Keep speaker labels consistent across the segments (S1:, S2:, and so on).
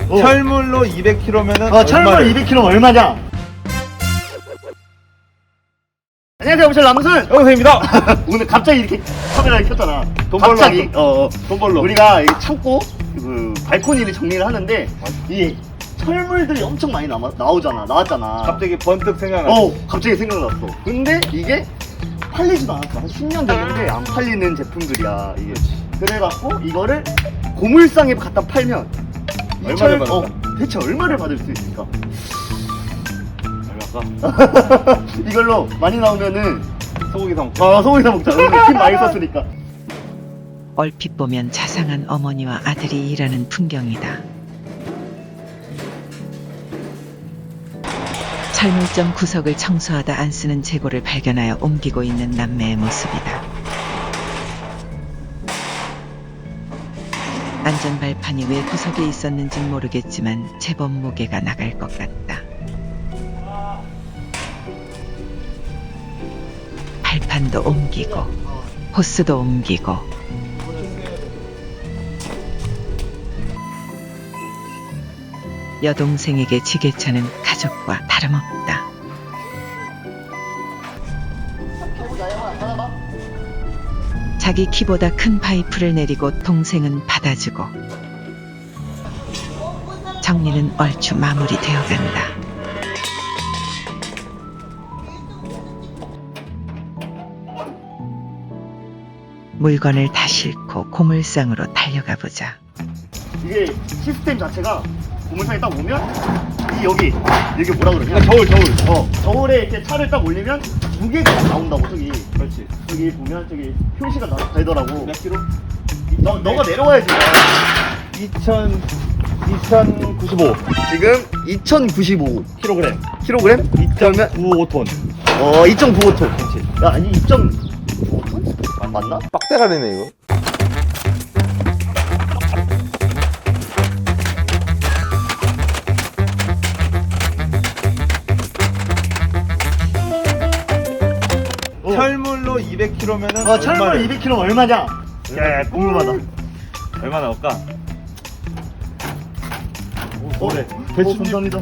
S1: 철물로 200kg면은
S2: 철물 200kg 얼마냐? 안녕하세요, 오실 남순
S1: 영생입니다.
S2: 오늘 갑자기 이렇게 카메라를 켰잖아.
S1: 돈 벌러
S2: 갑자기
S1: 돈 벌러
S2: 우리가 이 창고 그 발코니를 정리를 하는데 이 철물들이 엄청 많이 나왔잖아.
S1: 갑자기 번뜩 생각났어.
S2: 갑자기 생각났어. 근데 이게 팔리지도 않았어. 한 10년 됐는데 안 팔리는 제품들이야 이게. 그래갖고 이거를 고물상에 갖다 팔면
S1: 얼마를 받을까?
S2: 대체 얼마를 받을 수 있을까?
S1: 얼마까?
S2: 이걸로 많이 나오면은
S1: 소고기 사 먹자.
S2: 소고기 사 먹자. 오늘 힘 많이 썼으니까.
S3: 얼핏 보면 자상한 어머니와 아들이 일하는 풍경이다. 철물점 구석을 청소하다 안 쓰는 재고를 발견하여 옮기고 있는 남매의 모습이다. 안전발판이 왜 구석에 있었는진 모르겠지만 제법 무게가 나갈 것 같다. 발판도 옮기고 호스도 옮기고 여동생에게 지게차는 가족과 다름없다. 자기 키보다 큰 파이프를 내리고 동생은 받아주고 정리는 얼추 마무리되어 간다. 물건을 다 싣고 고물상으로 달려가 보자.
S2: 이게 시스템 자체가 고물상에 딱 오면 여기 뭐라 그러냐? 저울에 이렇게 차를 딱 올리면 무게가 딱 나온다고. 저기
S1: 그렇지.
S2: 저기 보면 저기 표시가 되더라고.
S1: 몇 킬로?
S2: 너가 내려와야지.
S1: 2095
S2: 지금 2095
S1: kg.
S2: 킬로그램?
S1: 2.95톤.
S2: 2.95톤. 그렇지. 야, 아니 2.5톤? 맞나?
S1: 빡대가리네 이거. 철물로 200kg면은
S2: 철물 200kg 얼마냐? 야, 궁금하다.
S1: 얼마 나올까?
S2: 그래.
S1: 대충
S2: 감사합니다.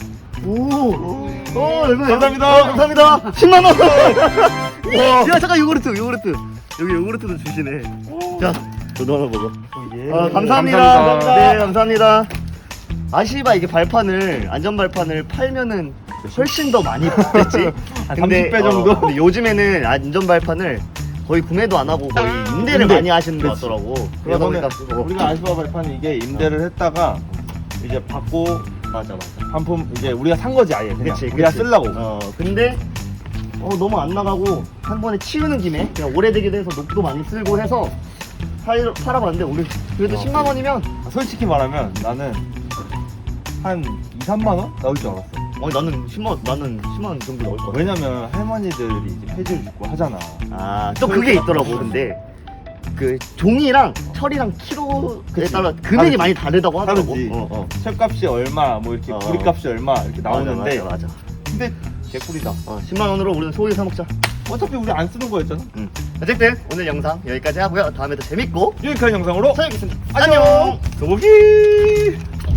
S2: 얼마?
S1: 감사합니다.
S2: 감사합니다. 10만 원. 야, 잠깐 요구르트. 여기 요구르트도 주시네. 자, 너도 하나 먹어. 감사합니다.
S1: 감사합니다.
S2: 네, 감사합니다. 아시바 이게 안전 발판을 팔면은 훨씬 더 많이 받겠지.
S1: 한 30배 정도?
S2: 근데 요즘에는 안전 발판을 거의 구매도 안 하고 거의 임대를 많이 하시는 것 같더라고. 그러다 보니까
S1: 우리가 아시바 발판이 이게 임대를 했다가 이제 받고
S2: 맞아.
S1: 반품 이제 우리가 산 거지 아예 그냥
S2: 그치,
S1: 우리가
S2: 그치.
S1: 쓰려고.
S2: 근데 너무 안 나가고 한 번에 치우는 김에 그냥 오래되기도 해서 녹도 많이 쓸고 해서 팔아봤는데 우리 그래도 10만 원이면
S1: 솔직히 말하면 나는 한 2, 3만 원 나올 줄 알았어.
S2: 나는 10만 원 정도 나올 것 같아.
S1: 왜냐면 할머니들이 이제 폐지를 입고 하잖아.
S2: 또 그게 있더라고. 근데 그 종이랑 철이랑 키로에 따라 금액이
S1: 다르지.
S2: 많이 다르다고 하더라고.
S1: 다르지. 철값이 얼마 뭐 이렇게 구리값이 얼마 이렇게 나오는데
S2: 맞아.
S1: 근데 개꿀이다.
S2: 10만 원으로 우리는 소고기 사 먹자.
S1: 어차피 우리 안 쓰는 거였잖아.
S2: 어쨌든 오늘 영상 여기까지 하고요. 다음에 더 재밌고
S1: 유익한 영상으로
S2: 찾아뵙겠습니다.
S1: 안녕. 소고기.